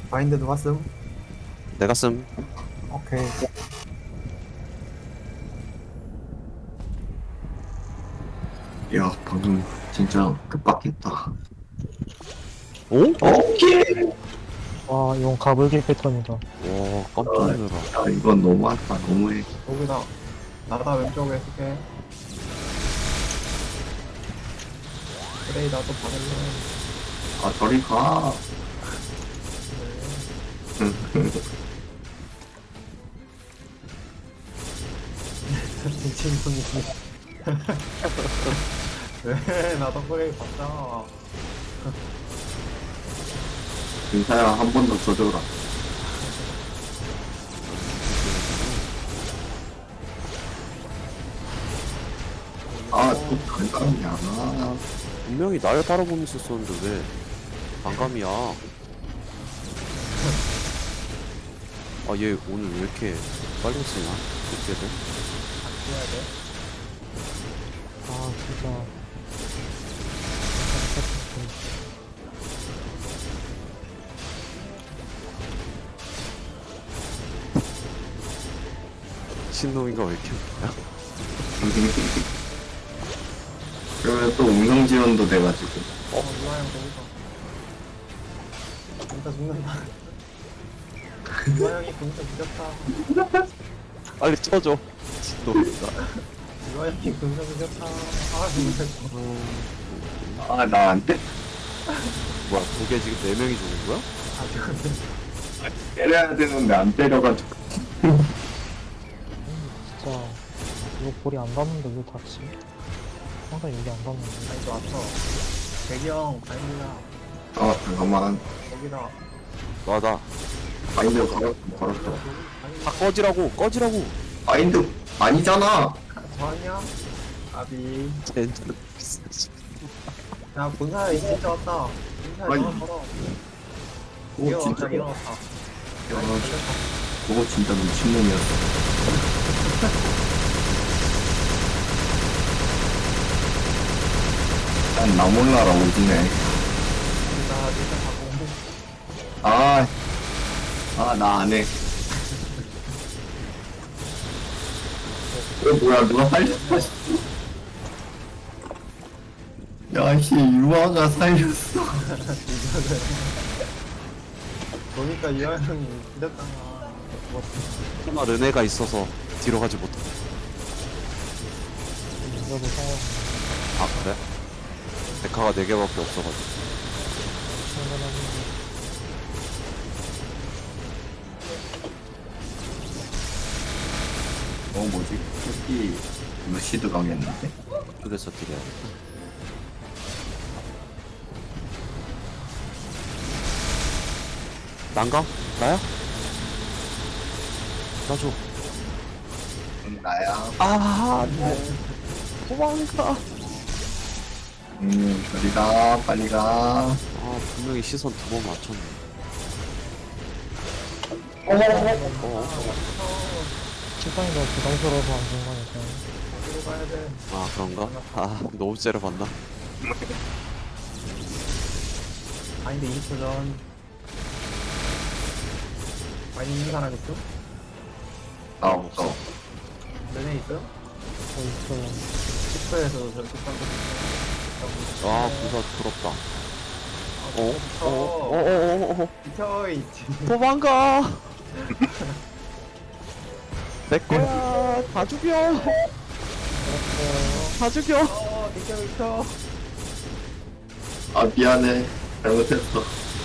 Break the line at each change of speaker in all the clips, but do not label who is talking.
마인드 누가 씀?
내가 씀.
오케이.
야, 방금 진짜 급박했다.
오?
오케이!
와 이건 가불기 패턴이다.
와 깜짝 놀라.
야, 이건 너무하다. 너무해.
여기다. 나다 왼쪽에 쓸게. 그래, 나도 받을래.
아, 저리 가.
미친 분이. 왜? 나도 그래, 받자.
인사야, 한 번 더 줘줘라. 아, 또 간감이야.
분명히 날 바라보면서 썼는데 왜 반감이야? 아 얘 오늘 왜 이렇게 빨리 쓰냐? 어떻게든
해야 돼.
아 진짜.
신놈인가 왜 이렇게 웃기냐?
그러면 또 음성 지원도 돼가지고.
유아형 거기서. 진짜 죽는다. 유아형이 진짜 죽였다.
빨리 쳐줘. 신놈이다.
유아형이 진짜 죽였다. 아, 진짜.
아, 나 안 돼.
뭐야 그게 지금 4명이 죽은 거야?
아, 죽었네.
때려야 되는데 안 때려가지고.
진짜 이거 볼이 안 닿는데 왜 닿지? 항상 여기 안 닿는데.
아니, 또 왔어. 배경, 바인드야.
아, 잠깐만.
여기다.
맞아.
마인드 걸었어.
다 꺼지라고 꺼지라고.
마인드 아니잖아.
저 아니야? 아비.
젠장 비싸.
야, 본사야, 이 진짜 왔다. 본사야,
아니.
전화 걸어.
오,
이거
진짜.
왔다, 일어났다.
야, 그거 진짜 미친놈이었어. 난 나 몰라라 오지네.
나 진짜 가고.
아, 나 안 해. 뭐야, 누가 살렸어? 야, 씨, 유아가 살렸어.
보니까 유아형이 기렸잖아. 뭐,
하나 르네가 있어서 뒤로 가지 못해.
이거도 상황.
아 그래? 데카가 4개밖에 없어가지고.
충분하는데.
뭐지? 특히 루시드 가겠는데?
그래서 딜해야 돼. 난가? 나야? 나 줘.
나야.
아, 네. 도망가.
저리 가, 빨리 가.
아, 분명히 시선 2번 맞췄네.
세상이 너무 부담스러워서 안 좋은 거니까.
어디로 가야 돼?
아, 그런가? 아, 너무 째려봤나?
바인드 20초 전. 바인드 있는 사람 있죠?
나 없어.
너네 있어요?
저 있어요.
10초에서 저렇게 딴거
아, 부사 부럽다.
비켜. 비켜, 있지.
도망가! 내 거야! 다 죽여! 다 죽여!
비켜, 비켜.
아, 미안해. 잘못했어.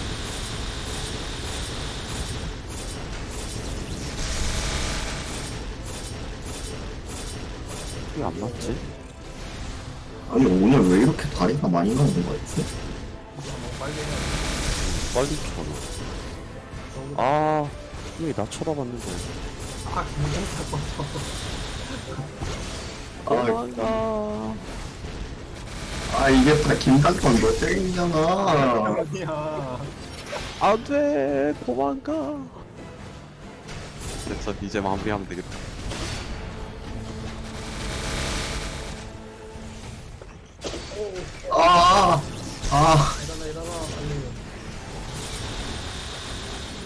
왜 안 맞지?
아니, 오늘 왜 이렇게 다리가 많이 나오는 거였지?
빨리 해.
빨리 쳐놔. 아, 왜 나 쳐다봤는데.
아, 괜찮다, 꺼져.
아,
도망가.
아, 이게 다 김단건 너 땡이잖아.
아니야.
안 돼! 도망가! 됐어, 이제 마무리하면 되겠다.
아, 아,
일어나, 일어나, 빨리.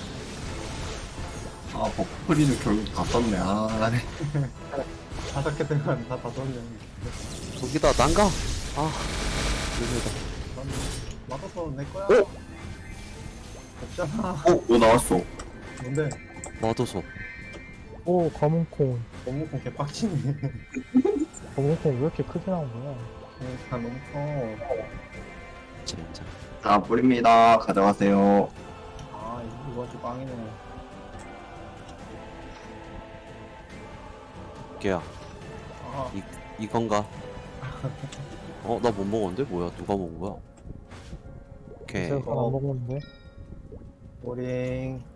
아, 버프리는 결국 다 썼네. 아, 네.
5개 들어간 다 줬네.
저기다 난가? 아 여기다.
난 맞아서 내 거야.
어?
없잖아.
뭐 나왔어?
뭔데?
맞아서.
오, 검은콩.
너무 개빡치네.
검은콩 왜 이렇게 크게 나온 거야?
다 너무 커.
젠장.
자, 뿌립니다. 가져가세요.
아, 이거 아주 빵이네.
걔야
아,
이건가? 나 못 먹었는데? 뭐야 누가 먹은 거야? 오케이.
제가 안 먹었는데.
보링.